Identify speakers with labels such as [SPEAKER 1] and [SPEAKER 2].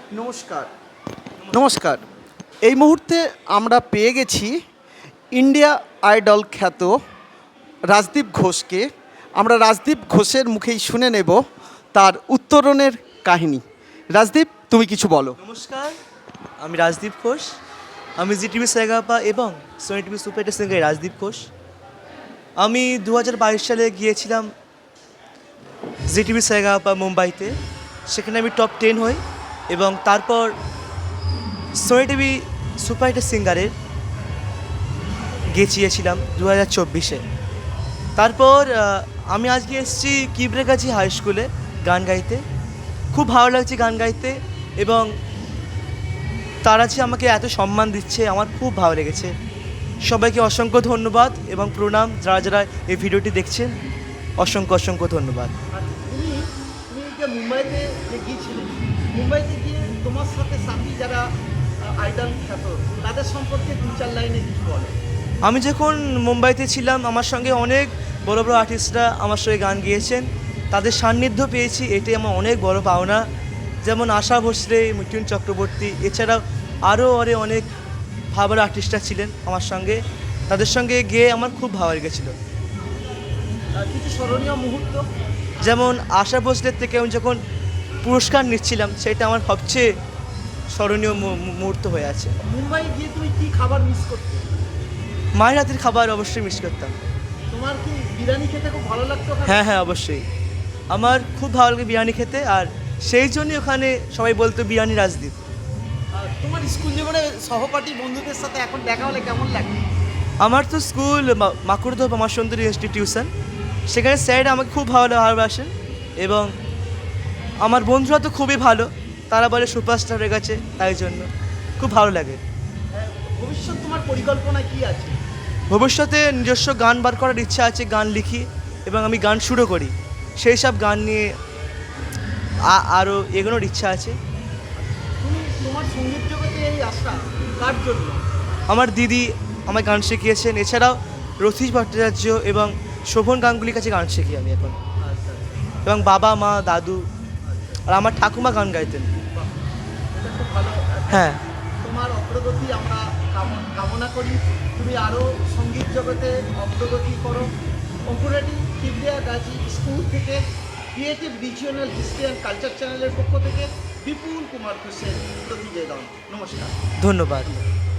[SPEAKER 1] নমস্কার। নমস্কার। এই মুহূর্তে আমরা পেয়ে গেছি ইন্ডিয়া আইডল খ্যাত রাজদীপ ঘোষকে। আমরা রাজদীপ ঘোষের মুখেই শুনে নেব তার উত্তরণের কাহিনী। রাজদীপ, তুমি কিছু বলো।
[SPEAKER 2] নমস্কার, আমি রাজদীপ ঘোষ। আমি জি টিভি সারেগামাপা এবং সোনি টিভি সুপার হিটের সিঙ্গার রাজদীপ ঘোষ। আমি 2022 সালে গিয়েছিলাম জি টিভি সারেগামাপা মুম্বাইতে। সেখানে আমি টপ 10 হই এবং তারপর সোনি টিভি সুপার হিটের সিঙ্গারের গিয়েছিলাম 2024-এ। তারপর আমি আজকে এসেছি কিবরেগাছি হাই স্কুলে গান গাইতে। খুব ভালো লাগছে গান গাইতে এবং তারা যে আমাকে এত সম্মান দিচ্ছে আমার খুব ভালো লেগেছে। সবাইকে অসংখ্য ধন্যবাদ এবং প্রণাম, যারা যারা এই ভিডিওটি দেখছেন অসংখ্য অসংখ্য ধন্যবাদ।
[SPEAKER 1] তুমি তুমি যে মুম্বাইতে যে গিয়েছিলে, মুম্বাইতে গিয়ে তোমার সাথে সাথী যারা আইডল খ্যাত তাদের সম্পর্কে দু চার লাইনে কিছু বলো।
[SPEAKER 2] আমি যখন মুম্বাইতে ছিলাম আমার সঙ্গে অনেক বড় বড় আর্টিস্টরা আমার সঙ্গে গান গিয়েছেন, তাদের সান্নিধ্য পেয়েছি, এটাই আমার অনেক বড় পাওনা। যেমন আশা ভোসলে, মিঠুন চক্রবর্তী, এছাড়াও আরও অনেক ভালো আর্টিস্টরা ছিলেন আমার সঙ্গে। তাদের সঙ্গে গিয়ে আমার খুব ভালো লেগেছিলো।
[SPEAKER 1] কিছু স্মরণীয় মুহূর্ত।
[SPEAKER 2] যেমন আশা ভোসলের থেকে আমি যখন পুরস্কার নিচ্ছিলাম, সেটা আমার সবচেয়ে স্মরণীয় মুহূর্ত হয়ে আছে।
[SPEAKER 1] মুম্বাই গিয়ে তুমি কি খাবার মিস করতে?
[SPEAKER 2] মায়ের হাতের খাবার অবশ্যই মিস করতাম।
[SPEAKER 1] তোমার কি বিরিয়ানি খেতে খুব ভালো লাগতো?
[SPEAKER 2] হ্যাঁ হ্যাঁ, অবশ্যই আমার খুব ভালো লাগে বিরিয়ানি খেতে, আর সেই জন্যই ওখানে সবাই বলতো বিরিয়ানি রাজদীপ।
[SPEAKER 1] তোমার স্কুল জীবনে সহপাঠী বন্ধুদের সাথে এখন দেখা হলে কেমন লাগে?
[SPEAKER 2] আমার তো স্কুল মাকুড়দহ আমার সুন্দরী ইনস্টিটিউশন, সেখানে স্যার আমাকে খুব ভালোবাসেন এবং আমার বন্ধুরা তো খুবই ভালো, তারা বলে সুপারস্টার হয়ে গেছে, তাই জন্য খুব ভালো লাগে।
[SPEAKER 1] ভবিষ্যৎ তোমার পরিকল্পনা কি আছে?
[SPEAKER 2] ভবিষ্যতে নিজস্ব গান বার করার ইচ্ছা আছে, গান লিখি এবং আমি গান শুরু করি, সেই সব গান নিয়ে আরও এগোনোর ইচ্ছা আছে।
[SPEAKER 1] তুমি তোমার সঙ্গীত জগতে এই আশা কার জন্য?
[SPEAKER 2] আমার দিদি আমায় গান শিখিয়েছেন, এছাড়াও রথীশ ভট্টাচার্য এবং শোভন গাঙ্গুলির কাছে গান শিখি আমি এখন, এবং বাবা মা দাদু আর আমার ঠাকুমা গান গাইতেন।
[SPEAKER 1] এটা খুব ভালো।
[SPEAKER 2] হ্যাঁ,
[SPEAKER 1] তোমার অগ্রগতি আমরা কামনা করি। তুমি আরও সঙ্গীত জগতে অগ্রগতি করো। অঙ্কুরাটি কিবরিয়াগাছি স্কুল থেকে creative regional history and culture চ্যানেলের পক্ষ থেকে বিপুল কুমার ঘোষের প্রতিবেদন। নমস্কার।
[SPEAKER 2] ধন্যবাদ।